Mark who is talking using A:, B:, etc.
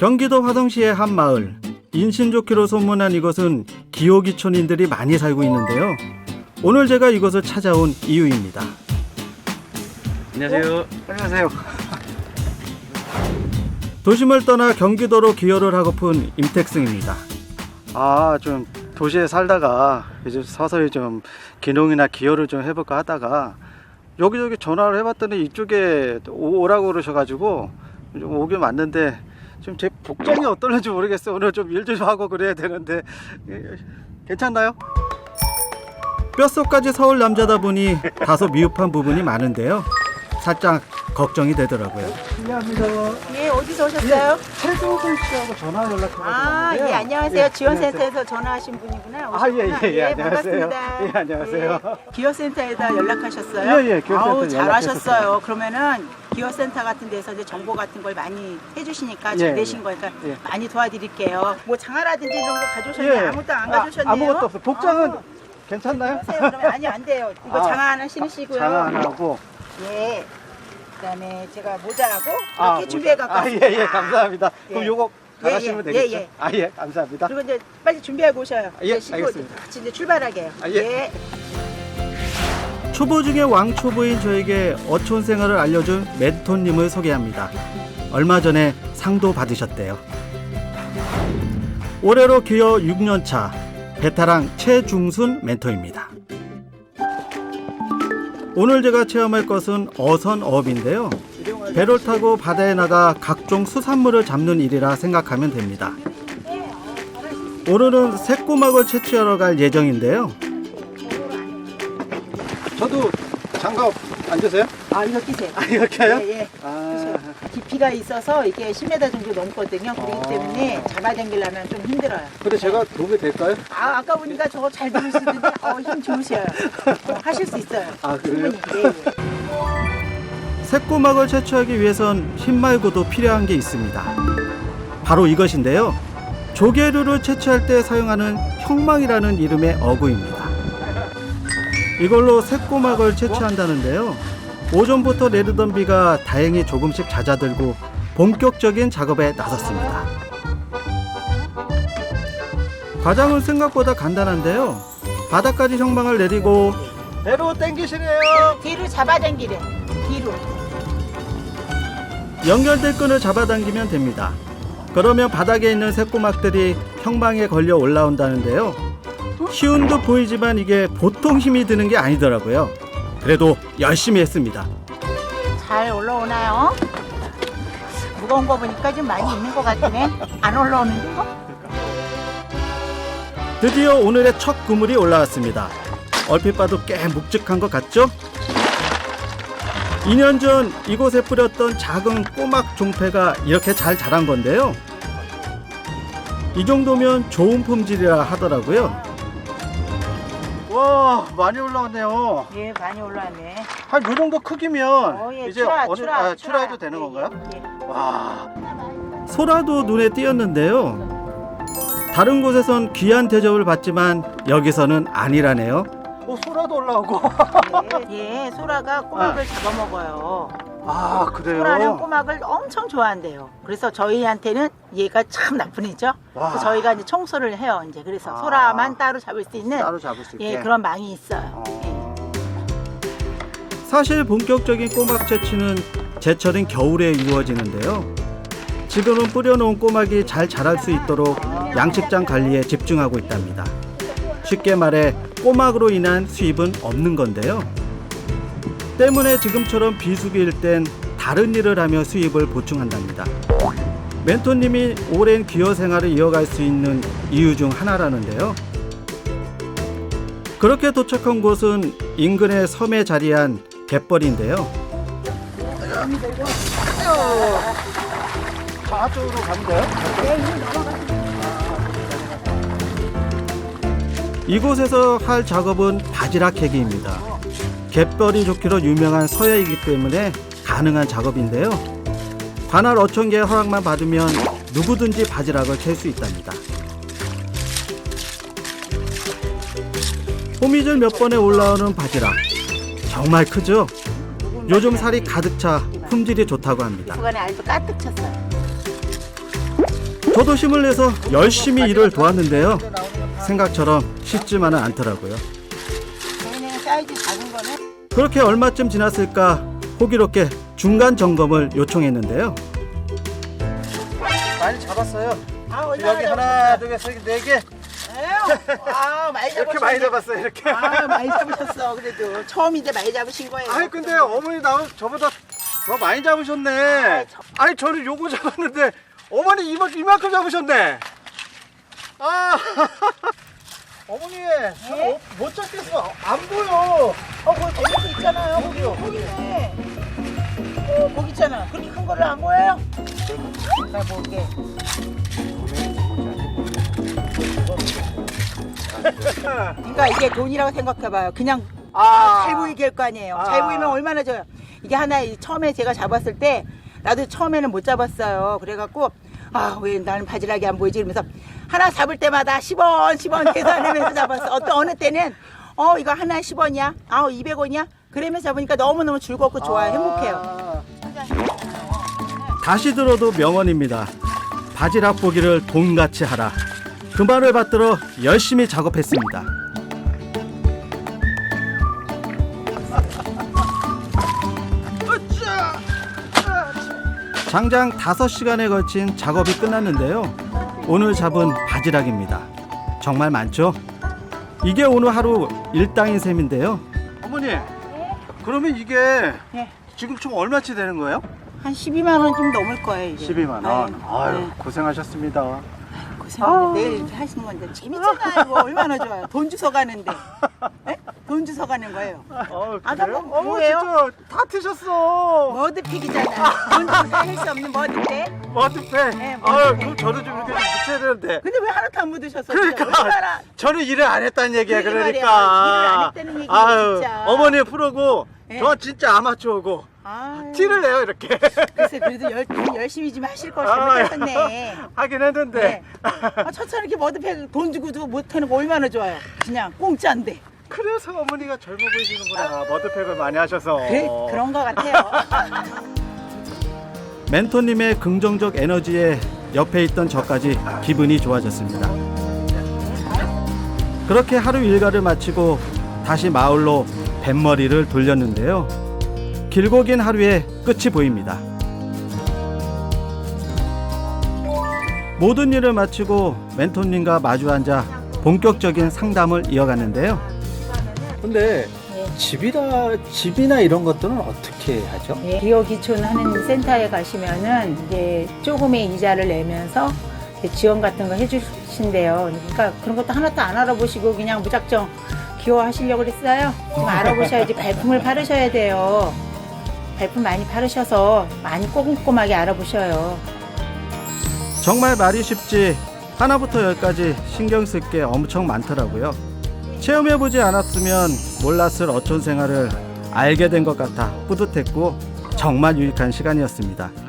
A: 경기도 화성시의 한 마을, 인심 좋기로 소문난 이곳은 기호기촌인들이 많이 살고 있는데요. 오늘 제가 이곳을 찾아온 이유입니다.
B: 안녕하세요.
C: 안녕하세요.
A: 도심을 떠나 경기도로 기여를 하고픈 임택승입니다.
C: 좀 도시에 살다가 이제 서서히 좀 기농이나 기여를 좀 해볼까 하다가 여기저기 전화를 해봤더니 이쪽에 오라고 그러셔가지고 좀 오긴 왔는데 지금 제 복장이 어떨는지 모르겠어요. 오늘 좀 일 좀 하고 그래야 되는데 괜찮나요?
A: 뼛속까지 서울 남자다 보니 다소 미흡한 부분이 많은데요. 살짝 걱정이 되더라고요.
C: 실례합니다.
D: 예, 어디서 오셨어요?
C: 최종훈 씨하고 전화 연락해가지고 왔는데요.
D: 예, 안녕하세요. 지원센터에서 전화하신 분이구나.
C: 예, 안녕하세요.
D: 반갑습니다.
C: 예, 안녕하세요.
D: 예, 기업센터에다 연락하셨어요?
C: 예, 기업센터
D: 아우, 잘하셨어요.
C: 연락했었어요.
D: 그러면은 기업센터 같은 데서 이제 정보 같은 걸 많이 해주시니까
C: 예,
D: 잘 되신 거니까
C: 예.
D: 많이 도와드릴게요. 뭐 장화라든지 이런 거 가져오셨나요?
C: 예.
D: 아무것도 안 가져오셨네요.
C: 아무것도 없어요. 복장은
D: 어,
C: 괜찮나요?
D: 하세요. 그러면 아니 안 돼요. 이거 장화 하나 신으시고요.
C: 장화 하나 하고.
D: 예. 그다음에 제가 모자하고
C: 모자.
D: 이렇게 준비해 갖고 왔습니다.
C: 예, 감사합니다.
D: 예.
C: 그럼 요거 나가시면
D: 예,
C: 되겠죠?
D: 예.
C: 감사합니다.
D: 그리고 이제 빨리 준비하고 오셔요.
C: 예,
D: 이제 씻고
C: 알겠습니다.
D: 같이 이제 출발하게 해요.
C: 예.
A: 초보 중에 왕초보인 저에게 어촌 생활을 알려준 멘토님을 소개합니다. 얼마 전에 상도 받으셨대요. 올해로 기여 6년차 베테랑 최중순 멘토입니다. 오늘 제가 체험할 것은 어선어업인데요. 배를 타고 바다에 나가 각종 수산물을 잡는 일이라 생각하면 됩니다. 오늘은 새꼬막을 채취하러 갈 예정인데요.
C: 저도 장갑 안 주세요?
D: 이거 끼세요.
C: 이렇게 해요?
D: 예.
C: 아,
D: 깊이가 있어서 이게 10m 정도 넘거든요. 그렇기 때문에 잡아당기려면 좀 힘들어요.
C: 근데 제가 도움이 될까요?
D: 아까 보니까 저거 잘 들으시던데 힘 좋으셔요. 하실 수 있어요.
C: 그래요?
D: 충분히. 예.
A: 새꼬막을 채취하기 위해선 힘 말고도 필요한 게 있습니다. 바로 이것인데요. 조개류를 채취할 때 사용하는 형망이라는 이름의 어구입니다. 이걸로 새꼬막을 채취한다는데요. 오전부터 내리던 비가 다행히 조금씩 잦아들고 본격적인 작업에 나섰습니다. 과정은 생각보다 간단한데요. 바닥까지 형망을 내리고
C: 배로 당기시래요.
D: 뒤로 잡아당기래. 뒤로.
A: 연결될 끈을 잡아당기면 됩니다. 그러면 바닥에 있는 새꼬막들이 형망에 걸려 올라온다는데요. 쉬운 듯 보이지만 이게 보통 힘이 드는 게 아니더라고요. 그래도 열심히 했습니다.
D: 잘 올라오나요? 무거운 거 보니까 좀 많이 있는 것 같네. 안 올라오는데?
A: 드디어 오늘의 첫 그물이 올라왔습니다. 얼핏 봐도 꽤 묵직한 것 같죠? 2년 전 이곳에 뿌렸던 작은 꼬막 종패가 이렇게 잘 자란 건데요. 이 정도면 좋은 품질이라 하더라고요.
C: 와, 많이 올라왔네요.
D: 예, 많이 올라왔네.
C: 한 요 정도 크기면
D: 예,
C: 이제 출하해도 되는 건가요?
D: 예.
C: 와,
A: 소라도 눈에 띄었는데요. 다른 곳에선 귀한 대접을 받지만 여기서는 아니라네요.
C: 소라도 올라오고.
D: 예, 소라가 꼬막을 잡아먹어요.
C: 그래요?
D: 소라는 꼬막을 엄청 좋아한대요. 그래서 저희한테는 얘가 참 나쁜 애죠.
C: 와.
D: 그래서 저희가 이제 청소를 해요. 이제 그래서 소라만 따로 잡을 수 있는
C: 따로 잡을 수 있게.
D: 그런 망이 있어요.
A: 사실 본격적인 꼬막 채취는 제철인 겨울에 이루어지는데요. 지금은 뿌려놓은 꼬막이 잘 자랄 수 있도록 양식장 관리에 집중하고 있답니다. 쉽게 말해 꼬막으로 인한 수입은 없는 건데요. 때문에 지금처럼 비수기일 땐 다른 일을 하며 수입을 보충한답니다. 멘토님이 오랜 기여 생활을 이어갈 수 있는 이유 중 하나라는데요. 그렇게 도착한 곳은 인근의 섬에 자리한 갯벌인데요.
C: 저쪽으로 가면 돼요?
A: 이곳에서 할 작업은 바지락 캐기입니다. 갯벌이 좋기로 유명한 서해이기 때문에 가능한 작업인데요. 관할 어촌계의 허락만 받으면 누구든지 바지락을 캘 수 있답니다. 호미질 몇 번에 올라오는 바지락 정말 크죠? 요즘 살이 가득 차 품질이 좋다고 합니다.
D: 구간에 알도 가득 찼어요.
A: 저도 힘을 내서 열심히 일을 도왔는데요. 생각처럼 쉽지만은 않더라고요.
D: 얘는 사이즈 작은 거는
A: 그렇게 얼마쯤 지났을까 호기롭게 중간 점검을 요청했는데요.
C: 많이 잡았어요.
D: 얼마나
C: 여기 하나, 둘, 셋, 네 개.
D: 많이
C: 이렇게 많이 잡았어요. 이렇게.
D: 많이 잡으셨어. 그래도 처음인데 많이 잡으신 거예요.
C: 아니 근데 어머니 저보다 더 많이 잡으셨네. 아니 저는 요거 잡았는데 어머니 이만큼 잡으셨네. 아 어머니 저는 못 잡겠어. 안 보여.
D: 거기 있잖아요. 거기네. 거기 있잖아. 그렇게 큰 거를 안 보여요? 나 볼게. 그러니까 이게 돈이라고 생각해봐요. 그냥 잘 보이게 할 거 아니에요. 잘 보이면 얼마나 좋아요. 이게 하나 처음에 제가 잡았을 때 나도 처음에는 못 잡았어요. 그래갖고 왜 나는 바지락이 안 보이지 이러면서 하나 잡을 때마다 10원 계산하면서 잡았어. 어느 때는 이거 하나 10원이야? 200원이야? 그러면서 잡으니까 너무너무 즐겁고 좋아요. 행복해요.
A: 다시 들어도 명언입니다. 바지락 보기를 돈같이 하라. 그 말을 받들어 열심히 작업했습니다. 장장 5시간에 걸친 작업이 끝났는데요. 오늘 잡은 바지락입니다. 정말 많죠? 이게 오늘 하루 일당인 셈인데요.
C: 어머니 그러면 이게
D: 네.
C: 지금 총 얼마치 되는 거예요?
D: 한 12만 원 좀 넘을 거예요. 이게.
C: 12만 원.
D: 네.
C: 아유
D: 네.
C: 고생하셨습니다.
D: 고생하네. 내일 이렇게 하시는 건데 재밌잖아요. 이거 얼마나 좋아요. 돈 주워 가는데. 네? 돈 주워 가는 거예요.
C: 그래요?
D: 뭐 뭐예요?
C: 진짜 다 트셨어.
D: 머드팩이잖아요. 돈 주고 살 수 없는 머드팩.
C: 머드팩.
D: 네,
C: 아유
D: 머드팩.
C: 그럼 저도 좀 이렇게 좀 묻혀야 되는데.
D: 근데 왜 하나도 안 묻으셨어요?
C: 그러니까
D: 얼마나
C: 저는 일을 안 했다는 얘기야.
D: 그러게
C: 그러니까
D: 말이야. 일을 안 했다는 얘기야,
C: 아유,
D: 진짜.
C: 어머니 프로고
D: 네.
C: 저 진짜 아마추어고
D: 아유,
C: 티를 내요 이렇게.
D: 글쎄 그래도 열심히 좀 하실 걸
C: 아,
D: 잘못하셨네.
C: 하긴 했는데.
D: 네. 처처럼 이렇게 머드팩 돈 주고도 못하는 거 얼마나 좋아요. 그냥 공짜인데.
C: 그래서 어머니가 젊어 보이시는구나. 머드팩을 많이 하셔서.
D: 그런 거 같아요.
A: 멘토님의 긍정적 에너지에 옆에 있던 저까지 기분이 좋아졌습니다. 그렇게 하루 일과를 마치고 다시 마을로 뱃머리를 돌렸는데요. 길고 긴 하루의 끝이 보입니다. 모든 일을 마치고 멘토님과 마주 앉아 본격적인 상담을 이어갔는데요.
B: 근데
D: 네.
B: 집이나 이런 것들은 어떻게 하죠?
E: 기호 기촌하는 센터에 가시면은 이제 조금의 이자를 내면서 이제 지원 같은 거 해주신대요. 그러니까 그런 것도 하나도 안 알아보시고 그냥 무작정 기호하시려고 그랬어요. 좀 알아보셔야지. 발품을 바르셔야 돼요. 발품 많이 바르셔서 많이 꼼꼼하게 알아보셔요.
A: 정말 말이 쉽지 하나부터 열까지 신경 쓸 게 엄청 많더라고요. 체험해보지 않았으면 몰랐을 어촌 생활을 알게 된 것 같아 뿌듯했고 정말 유익한 시간이었습니다.